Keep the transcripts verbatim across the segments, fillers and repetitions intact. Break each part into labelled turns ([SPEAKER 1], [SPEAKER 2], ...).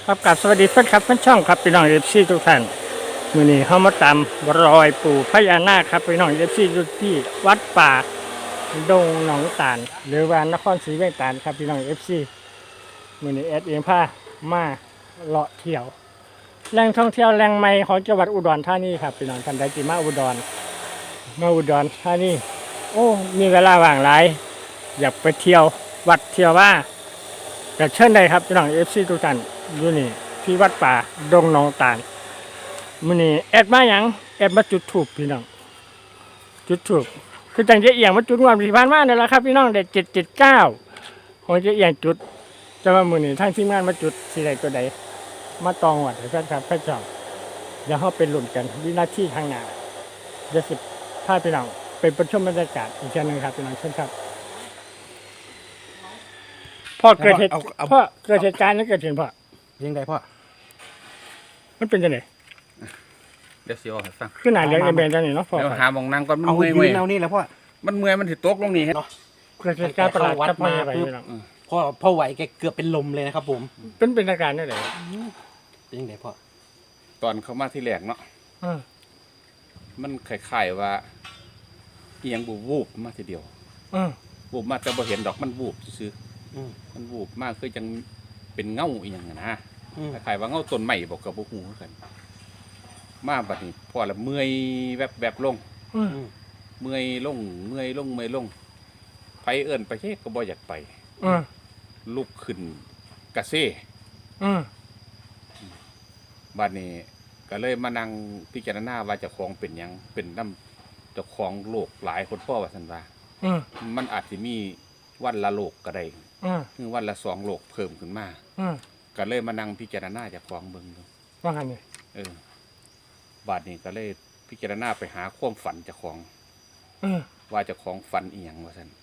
[SPEAKER 1] ครับกับสวัสดีเพื่อนครับเพื่อนช่องครับพี่น้องเอฟซีทุกท่านมื้อนี้เฮามาตามรอยปู่พญานาคครับพี่น้องเอฟซีอยู่ที่วัดป่าดงหนองตาลหรือว่านครศรีเวียงตาลครับพี่น้องเอฟซีมื้อนี้แอดเองพามาเลาะเที่ยวแหล่งท่องเที่ยวแหล่งใหม่ของจังหวัดอุดรธานีครับพี่น้องท่านใดที่มาอุดรมาอุดรธานีโอ้มีเวลาว่างหลายอยากไปเที่ยววัดเที่ยวว่าก็เชิญได้ครับพี่น้องเอฟซีทุกท่านอยู่นี่ที่วัดป่าดงหนองตาลมื้อนี้แอดมาหยังแอดมาจุดธูปพี่น้องจุดธูปคือจังจะเอียงมาจุดงวดที่ผ่านมานี่แหละครับพี่น้องได้เจ็ดเจ็ดเก้าของจะเอียงจุดแต่ว่ามื้อนี้ทางทีมงานมาจุดสิได้ตัวใดมาตองวัดให้แฟนครับแฟนช่องเดี๋ยวเฮาไปลุ้นกันวินาทีข้างหน้าเดี๋ยวสิพาพี่น้องไปประชุมบรรยากาศอีกเช่นนึงครับพี่น้องเชิญครับพ่อเกิดเหตุพ่อเกิดเหตุการณ์นั้นเกิดขึ้นพ่อ
[SPEAKER 2] ยังไงพ่อ
[SPEAKER 1] มันเป็นจังได๋
[SPEAKER 3] เดี๋ยวสิเอาให้ฟัง
[SPEAKER 1] คือหน้าเหลืองแดงจังนี่เนาะพ่อ
[SPEAKER 3] เดี๋ยวหาหม่องนั่งก่อนมัน
[SPEAKER 2] เอา
[SPEAKER 3] เมื่อย
[SPEAKER 2] ยื
[SPEAKER 3] เมื่อย
[SPEAKER 2] นเอานี่แหละพ่อ
[SPEAKER 3] มันเมื่อยมันสิตกลงนี่เฮ็ด
[SPEAKER 1] เกิดเหตุการณ์ประหลาดกับพ่อไปพี่น้อง
[SPEAKER 2] พ่อพ่อไหวแกเกือบเป็นลมเลยนะครับผม
[SPEAKER 1] เป็นเป็นอาการจังได๋
[SPEAKER 2] เป็นยังไงพ่อ
[SPEAKER 3] ตอนเข้ามาที่แรกเนาะ
[SPEAKER 1] อือ
[SPEAKER 3] มันคล้ายๆว่าอีหยังบูวูบมาทีเดียว
[SPEAKER 1] อือ
[SPEAKER 3] วูบมาแต่บ่เห็นดอกมันวูบซื่อ
[SPEAKER 2] อืม
[SPEAKER 3] ๆมันวูบมากคือจังเป็นเงาอีหยังอะนะ
[SPEAKER 2] อืม
[SPEAKER 3] คล้ายๆว่าเงาต้นไม้บ่ก็บ่ฮู้คือกันมาบัดนี้พอละเมื่อยแวบๆลง
[SPEAKER 1] อือ
[SPEAKER 2] อืม
[SPEAKER 3] เมื่อยลงเมื่อยลงเมื่อยลงไปเอิ้นไปเฮ็ดก็บ่อยากไป
[SPEAKER 1] อือ
[SPEAKER 3] ลุกขึ้นกระเซ่
[SPEAKER 1] อือ
[SPEAKER 3] บัดนี้ก็เลยมานั่งพิจารณาว่าเจ้าของเป็นหยังเป็นน้ำเจ้าของโรคหลายคนพ่อว่าซั่นว่า
[SPEAKER 1] อือ
[SPEAKER 3] มันอาจสิมีวันละโรคก็ได้
[SPEAKER 1] อือ
[SPEAKER 3] คือวันละสองโรคเพิ่มขึ้นมา
[SPEAKER 1] อือ
[SPEAKER 3] ก็เลยมานั่งพิจารณาเจ้าของเบิ่งดู
[SPEAKER 1] ว่าหั่นนี่
[SPEAKER 3] เออบัดนี้ก็เลยพิจารณาไปหาความฝันเจ้าของ
[SPEAKER 1] อือ
[SPEAKER 3] ว่าเจ้าของฝันอีหยังว่าซั่น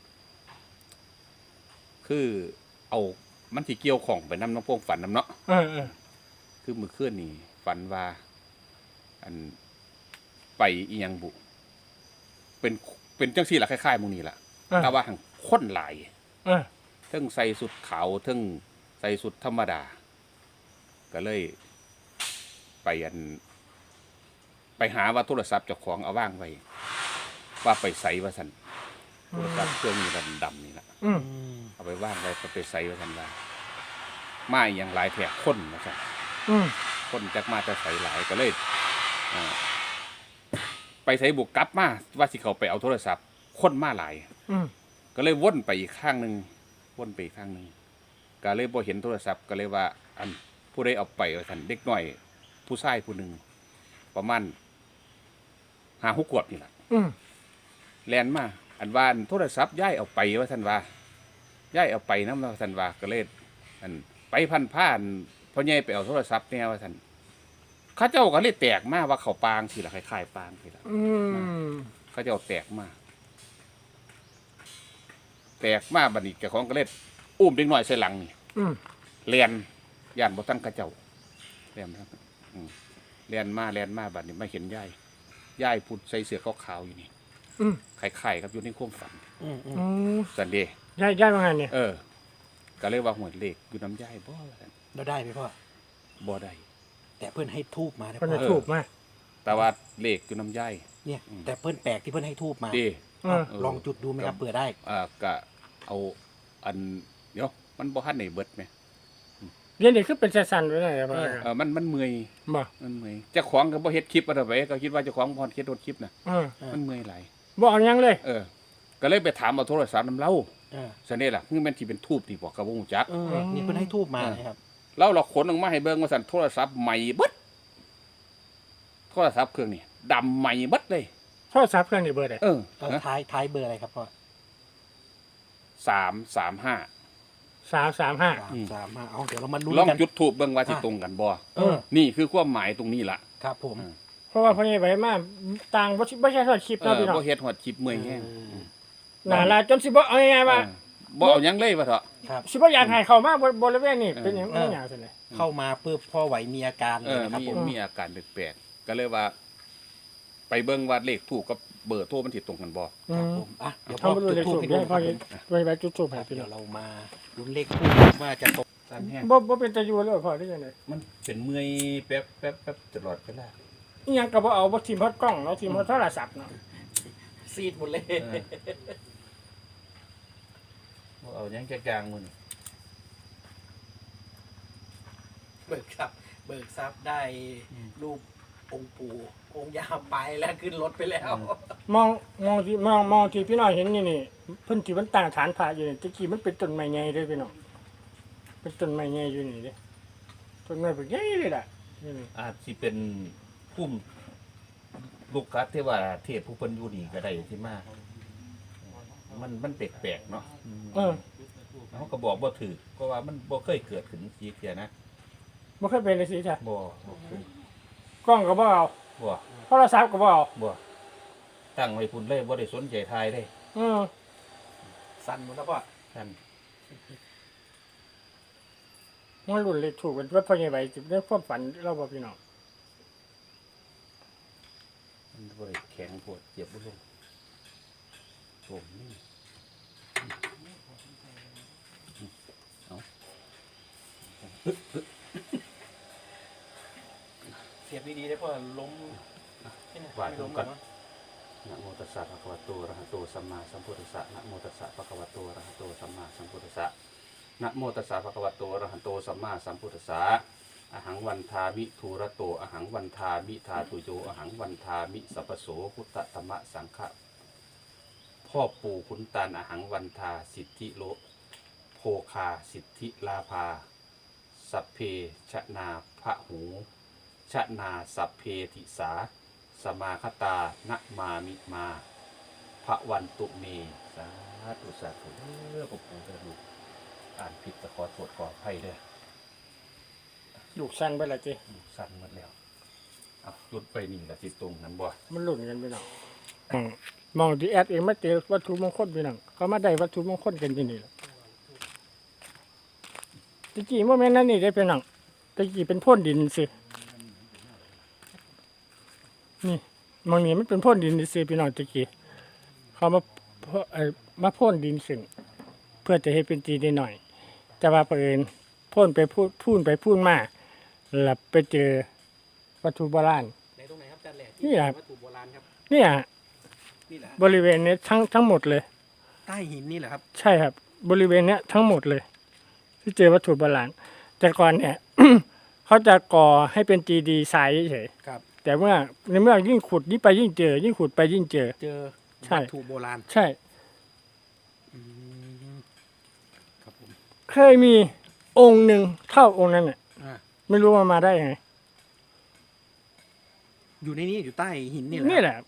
[SPEAKER 3] คือเอามันสิเกี่ยวข้องไปนำน้ำพวกฝันนำเนาะ
[SPEAKER 1] เออเออ
[SPEAKER 3] คือมื้อคืนนี้ฝันว่าอันไปอีหยังบุเป็นเป็นจังซี่ล่ะคล้ายๆหมู่นี้ล่ะแต่ว่าหังคนหลาย
[SPEAKER 1] เออ
[SPEAKER 3] เทิงใส่สุดขาวเทิงใส่สุดธรรมดาก็เลยไปอันไปหาว่าโทรศัพท์เจ้าของเอาว่างไว้ว่าไปใส่ว่าซั่นโทรศัพท์เครื่องนี้ดำๆนี่ล่ะ
[SPEAKER 1] อือ
[SPEAKER 2] อืม
[SPEAKER 3] เอาไปว่างไว้ไปใส่ว่าซั่นว่ามาอีหยังหลายแท้คนว่าซั่น
[SPEAKER 1] อือ
[SPEAKER 3] คนจักมาแต่ใส่หลายก็เลยอ่าไปใส่บุกกลับมาว่าสิเขาไปเอาโทรศัพท์คนมาหลาย
[SPEAKER 1] อือ
[SPEAKER 3] ก็เลยวนไปอีกข้างหนึ่งวนไปอีกข้างหนึ่งก็เลยบ่เห็นโทรศัพท์ก็เลยว่า อันผู้ใดเอาไปว่าท่านเด็กน้อย ผู้ชายผู้หนึ่งประมาณห้าหกขวบนี่แหละ
[SPEAKER 1] อือ
[SPEAKER 3] แลนมาอันว่าอันโทรศัพท์ย้ายเอาไปว่าท่านว่าย้ายเอาไปนะว่าท่านว่าก็เลยอันไปพันผ่านพ่อใหญ่ไปเอาโทรศัพท์เนี่ยว่าท่านเข้าเจ้าก็เลยแตกมาว่าเขาปางสิละคล้ายๆปางสิละ
[SPEAKER 1] อือ
[SPEAKER 3] เขาเจ้าแตกมาแตกมาบัดนี้เจ้าของก็เลยอุ้มเด็กน้อยใส่หลังนี่
[SPEAKER 1] อือ
[SPEAKER 3] เรียนย่านบ่ทันเขาเจ้าเรียนครับอืมเรียนมาเรียนมาบัดนี้มาเห็นยายยายพูดใส่เสื้อขาวๆอยู่นี่
[SPEAKER 1] อือ
[SPEAKER 3] ไข่ๆครับอยู่ในความฝัน
[SPEAKER 2] อืมอืม
[SPEAKER 1] อือ
[SPEAKER 3] สันเดย์
[SPEAKER 1] ย้ายย้ายว่าหั่นนี่
[SPEAKER 3] เออ ก็เลยว่าหวยเลขอยู่น้ำยายบ่ว่าซั่น
[SPEAKER 2] เราได้ไหมพ่อ
[SPEAKER 3] บ่ได้
[SPEAKER 2] แต่เพื่อนให้ทูบมานะ
[SPEAKER 1] เพิ่น
[SPEAKER 2] พ่
[SPEAKER 1] จะ
[SPEAKER 2] อ
[SPEAKER 1] ถูกมา
[SPEAKER 3] แต่ว่าเลขอยู่น้ำยาย
[SPEAKER 2] เนี่ย
[SPEAKER 3] อืม
[SPEAKER 2] แต่เพื่อนแปลกที่เพื่อนให้ทูบมา
[SPEAKER 3] เด้
[SPEAKER 1] เออ
[SPEAKER 2] ลองจุดดูไหมครับเผื่อได้
[SPEAKER 3] อ่าก็เอาอันเดี๋ยวมันบ่ทันได้เบิดแหม
[SPEAKER 1] เรียนนี่คือเป็นสั่นๆไว้ได้บ่
[SPEAKER 3] เออมันมันเมื่อย
[SPEAKER 1] บ่
[SPEAKER 3] มันเมื่อยเจ้าของก็บ่เฮ็ดคลิปอะไรไปก็คิดว่าเจ้าของบ่เฮ็ดคลิปน่ะ
[SPEAKER 1] เออ
[SPEAKER 2] เออ
[SPEAKER 3] มันเมื่อยหลาย
[SPEAKER 1] บ่เอาหยังเลย
[SPEAKER 3] เออ ก็เลยไปถามเอาโทรศัพท์นำเล่า
[SPEAKER 2] เออ
[SPEAKER 3] ซะนี่ล่ะคือแม่นสิเป็นทูบนี่บ่ก็บ่ฮู้จัก
[SPEAKER 2] เออนี่เพื่อนให้ทูบมานะครับ
[SPEAKER 3] เราเราขนออกมาให้เบิ่งว่าซั่นโทรศัพท์ใหม่เบิดโทรศัพท์เครื่องนี้ดำใหม่เบิดเลย
[SPEAKER 1] โทรศัพท์เครื่องนี้เบอร์ใด
[SPEAKER 3] เออ
[SPEAKER 2] เออท้ายท้ายเบอร์อะไรครับพ่อ
[SPEAKER 3] สามสามห้า
[SPEAKER 1] สามสามห้า
[SPEAKER 2] สามสามห้าเอาเดี๋ยวเรามาลุ้น
[SPEAKER 3] ลอง
[SPEAKER 2] กัน
[SPEAKER 3] จุดทูบเบิ่งว่าสิตรงกันบ่
[SPEAKER 2] เออ
[SPEAKER 3] นี่คือความหมายตรงนี้ล่ะ
[SPEAKER 2] ครับผม
[SPEAKER 3] อืม
[SPEAKER 1] เพราะว่าพ่อใหญ่ไปมาต่างบ่สิบ่ใช่ทอดคลิป
[SPEAKER 3] เอ
[SPEAKER 1] เนาะ
[SPEAKER 3] อ
[SPEAKER 1] พี่น้อง
[SPEAKER 3] บ่เฮ็ดฮอดคลิปเมื่อยแฮง
[SPEAKER 1] น่าละจนสิบ่เอาง่ายๆว่า
[SPEAKER 3] เออบ่เอาหยังเลยว่าเถอะ
[SPEAKER 2] ครับ
[SPEAKER 1] สิบ่อยากให้เข้ามาบริเวณนี้เป็นหยัง
[SPEAKER 2] เออ
[SPEAKER 1] ไม่หยังซั่นเลย
[SPEAKER 2] เข้ามาเพื่อพ่อไหวมีอาการ
[SPEAKER 3] เอ
[SPEAKER 2] เลย
[SPEAKER 3] อ
[SPEAKER 2] นะครับ
[SPEAKER 3] มี
[SPEAKER 2] ผม
[SPEAKER 3] มีอาการแปลกๆก็เลยว่า ไปเบิ่งว่าเลขถูกกับเบอร์โทรมันติดตรงกันบ่
[SPEAKER 1] อื
[SPEAKER 2] ครับ
[SPEAKER 1] ม
[SPEAKER 2] ผมอ่ะเดี๋ยวพ่
[SPEAKER 1] เขา
[SPEAKER 2] อ
[SPEAKER 1] มาลุ้น
[SPEAKER 2] จุด
[SPEAKER 1] เลข
[SPEAKER 2] ทู
[SPEAKER 1] ทู
[SPEAKER 2] บบ ให้ดู
[SPEAKER 1] เดี๋ยว
[SPEAKER 2] นะค
[SPEAKER 1] พ่อ
[SPEAKER 2] รับผม
[SPEAKER 1] ไว้ไว้จุดทูบให้พี่
[SPEAKER 2] เดี๋
[SPEAKER 1] น้
[SPEAKER 2] ย
[SPEAKER 1] อง
[SPEAKER 2] วเรามาลุ้นเลขทูบว่าจะตกกันแห้ง
[SPEAKER 1] บ่บ่เป็นตะยูเลยพ่อได้ยังไง
[SPEAKER 3] มันเป็นเมื่อยแป๊บแป๊บแป๊บตลอดเวลา
[SPEAKER 1] อีหยังก็บ่เอาบ่ทีมฮอดกล้องเนาะทีมฮอดโทรศัพท์เนาะ
[SPEAKER 2] ซีดหมดเลย
[SPEAKER 3] เอายังกลางๆมื้อนี้
[SPEAKER 2] เบิกทรัพย์เบิกทรัพย์ได้รูปองค์ปู่องค์ย่าไปแล้วขึ้นรถไปแล้ว
[SPEAKER 1] มองมองที่มองมองที่พี่น้องเห็นนี่นี่เพิ่นที่มันตั้งฐานพระอยู่นี่ตะกี้มันเป็นต้นไม้ใหญ่เด้อพี่น้องเป็นต้นไม้ใหญ่อยู่นี่เด้ต้นไม้แบบใหญ่เลยล่ะนี่นี่
[SPEAKER 4] อาจสิเป็นพุ่มลูกคัดที่ว่าเทพผู้เพิ่นอยู่นี่ก็ได้ที่มามันมันแปลกๆเนาะ
[SPEAKER 1] เออ
[SPEAKER 4] เขาก็บอกบ่ถือเพราะว่ามันบ่เคยเกิดขึ้นสีเทียนะ
[SPEAKER 1] บ่เคยเป็นเลยสิจ้ะ
[SPEAKER 4] บ่บ่เคย
[SPEAKER 1] กล้องก็บ่เอา
[SPEAKER 4] บ่
[SPEAKER 1] โทรศัพท์ก็บ่เอา
[SPEAKER 4] บ่ตั้งไว้พุ่นเลยบ่ได้สนใจทายเลย
[SPEAKER 1] เออ
[SPEAKER 2] สั่นหมดแล้วพ่อ
[SPEAKER 4] ท่าน
[SPEAKER 1] มันรุ่นเลขถูกเป็นว่าพ่อใหญ่ใบสิได้ความฝันเราบ่พี่น้อง
[SPEAKER 4] มันบ่ได้แข็งปวดเจ็บบ่ลงผมนี่
[SPEAKER 2] เสียบดีๆได้พ่อล้ม
[SPEAKER 4] ว่า
[SPEAKER 2] ไม่
[SPEAKER 4] ตร
[SPEAKER 2] ล้
[SPEAKER 4] ง
[SPEAKER 2] ม
[SPEAKER 4] กัน
[SPEAKER 2] หรอ
[SPEAKER 4] นะโมตัสสะภะคะวะโตอะระหะโตสัมมาสัมพุทธัสสะนะโมตัสสะภะคะวะโตอะระหะโตสัมมาสัมพุทธัสสะนะโมตัสสะภะคะวะโตอะระหะโตสัมมาสัมพุทธัสสะอะหังวันทามิทูระโตอะหังวันทามิทาตุโยอะหังวันทามิสัพพโสพุทธธรรมสังฆะพ่อปู่ขุนตาลอะหังวันทาสิทธิโลโภคาสิทธิลาภาสัพเพชนาพระหูชนาสัพเพติสาสมาคตานะมามิมาพระวันตุเมสาธุสาธุเรื่องของปู่เด้อลูกอ่านผิดก็ขอโทษขออภัยเด้อ
[SPEAKER 1] ลูกสั้นไปละจิ
[SPEAKER 4] ลูกสั่นหมดแล้วเอาหยุดไปนี่ละสิตรงนั้นบ่
[SPEAKER 1] มันรุ่นกันพี่น้องอืมมองที่แอดเองมาเจอวัตถุมงคลพี่น้องเขามาได้วัตถุมงคลกันที่นี่แหละตะกี้โมเมนต์นั้นนี่ได้พี่น้องตะกี้เป็นพ่นดินสินี่มองนี่มันเป็นพ่นดินสิพี่น้องตะกี้เขามาพ่นเอ่อมาพ่นดินซึ่งเพื่อจะให้เป็นจีได้หน่อย แต่ว่าเผอิญพ่นไปพูดพูนไปพูนมาแล้วไปเจอวัตถุโบราณ
[SPEAKER 2] ในตรงไหนครับอาจารย์แหลก
[SPEAKER 1] นี่แหละ
[SPEAKER 2] วัตถุโบราณครับ
[SPEAKER 1] เนี่ย
[SPEAKER 2] นี่แหละ
[SPEAKER 1] บริเวณนี้ทั้งทั้งหมดเลย
[SPEAKER 2] ใต้หินนี่แหละครับ
[SPEAKER 1] ใช่ครับ บริเวณเนี้ยทั้งหมดเลย ที่เจอวัตถุโบราณแต่ก่อนเนี่ย เขาจะก่อให้เป็นจีดีทรายเฉย
[SPEAKER 2] ครับ
[SPEAKER 1] ๆแต่เมื่อในเมื่อยิ่งขุดยิ่งไปยิ่งเจอ ยิ่งขุดไปยิ่งเจอ
[SPEAKER 2] เจอ
[SPEAKER 1] ใช่
[SPEAKER 2] วัตถุโบราณ
[SPEAKER 1] ใช่
[SPEAKER 2] อืมครับผม
[SPEAKER 1] เคยมีองค์หนึ่งเท่าองค์นั้นน่ะ
[SPEAKER 2] อ่า
[SPEAKER 1] ไม่รู้ว่ามาได้ยังไง
[SPEAKER 2] อยู่ในนี้อยู่ใต้หินนี่แหละ
[SPEAKER 1] นี่แหละ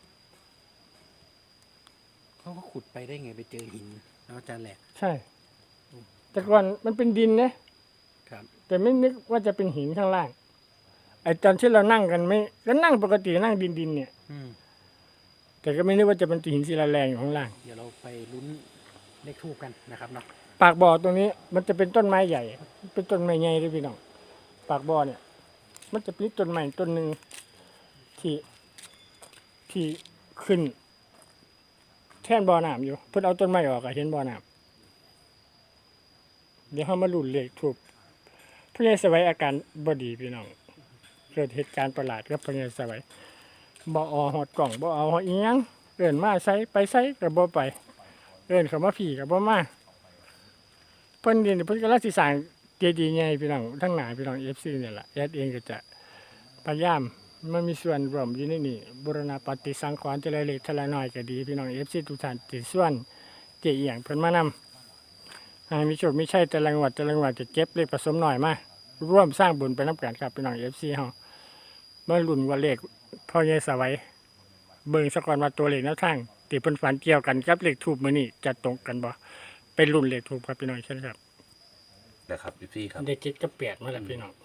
[SPEAKER 2] เขาก็ขุดไปได้ไงไปเจอหินแล้วอาจารย์แหลก
[SPEAKER 1] ใช่ แต่ก่อนมันเป็นดินนะครับ แต่ไม่นึกว่าจะเป็นหินข้างล่างไอ้ตอนที่เรานั่งกันไม่ก็นั่งปกตินั่งดินดินๆเนี่ย
[SPEAKER 2] อืม
[SPEAKER 1] แต่ก็ไม่นึกว่าจะเป็นหินศิลาแรงอยู่ข้างล่าง
[SPEAKER 2] เดี๋ยวเราไปลุ้นเลขทูบกันนะครับเนาะ
[SPEAKER 1] ปากบ่อตรงนี้มันจะเป็นต้นไม้ใหญ่ เป็นต้นไม้ใหญ่เลยพี่น้อง ปากบ่อเนี่ย มันจะเป็นต้นไม้ต้นหนึ่งที่ที่ขึ้น แท่นบ่อน้ำอยู่ เพื่อเอาต้นไม้ออกอะเห็นบ่อน้ำเดี๋ยวเขามาลุ้นเลขถูกพระยาสวัยอาการบดีพี่น้อง เกิดเหตุการณ์ประหลาดกับพระยาสวัยบ่เอาหอดกล่องบ่เอาหอดอีหยังเอิ้นมาใส่ไปใส่กับบ่ไปเอิ้นเขามาผีกับบ่มา เพิ่นเรียนเพิ่นกำลังสิสร้างเจดีย์ใหญ่พี่น้องทั้งหลายพี่น้อง เอฟ ซี เนี่ยล่ะแอดเองก็จะพยายามมันมีส่วนร่วมอยู่ในนี้บูรณาปฏิสังขรณ์จะละเล็กทละน้อยก็ดีพี่น้อง เอฟ ซี ทุกท่านที่ส่วนเจอีหยังเพิ่นมานำให้มีโชคมีชัยแต่ละงวดแต่ละงวดจะเก็บเลขผสมหน่อยมาร่วมสร้างบุญไปนํกันครับพี่น้อง เอฟ ซี เฮามาลุ้นว่าเลขพ่อใหญ่สวัยเบิ่งซะก่อนว่าตัวเลขแนวทางที่เพิ่นฝันเกี่ยวกันกับเลขทูปมื้อนี้จะตรงกันบ่เป็นรุ่นเลขทูปครับพี่น้องเช่นครับ
[SPEAKER 4] นะครับพี่ครับ
[SPEAKER 1] ได้เจ็ดกับแปดมาแล้วพี่น้อง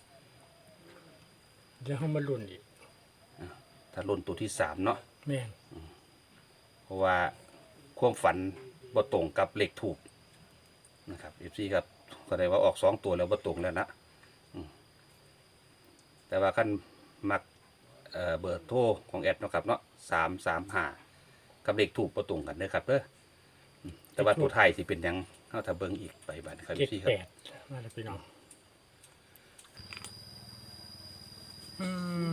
[SPEAKER 1] เดี๋ยวเขามาลุ้นอีก
[SPEAKER 4] ถ้ารุ่นตัวที่สามเนาะ
[SPEAKER 1] แม่น
[SPEAKER 4] เพราะว่าความฝันบ่ตรงกับเลขถูกนะครับ เอฟ ซี ครับก็ได้ว่าออกสองตัวแล้วบ่ตรงแล้วนะอืมแต่ว่าขั้นมักเอ่อเบอร์โทรของแอดเนาะครับเนาะสามสามห้ากับเลขถูกประตรงกันเด้อครับเด้ออืมแต่ว่าตัวไทายสิเป็นหยังเฮาถ้าเบิ่งอีกไปบัดครับ
[SPEAKER 1] เจ็ด
[SPEAKER 4] พี่ค
[SPEAKER 1] แป
[SPEAKER 4] รับ
[SPEAKER 1] ดมาเลยพี่น้องอืม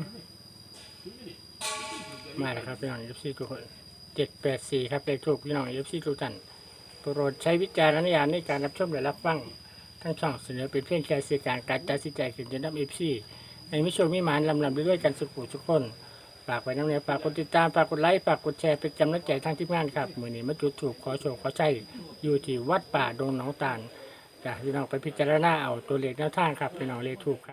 [SPEAKER 1] มาแล้วครับพี่น้องเอฟซีทุกคนเจ็ดแปดสี่ครับเลขถูกพี่น้องเอฟซีทุกท่านโปรดใช้วิจารณญาณในการรับชมและรับฟังทั้งช่องเสนอเป็นเพียงแค่สื่อการการตัดสินใจขึ้นจะนำเอฟซีในมิชมมิมานลำลำด้วยกันสุขุทุกคนฝากไว้น้ำเนียฝากกดติดตามฝากกดไลค์ฝากกดแชร์เป็นกำลังใจทางทีมงานครับมือนี้มาจุดถูกขอโชคขอใช้อยู่ที่วัดป่าดงหนองตาลจ้ะพี่น้องไปพิจารณาเอาตัวเลขแนวทางครับพี่น้องเลขถูกครับ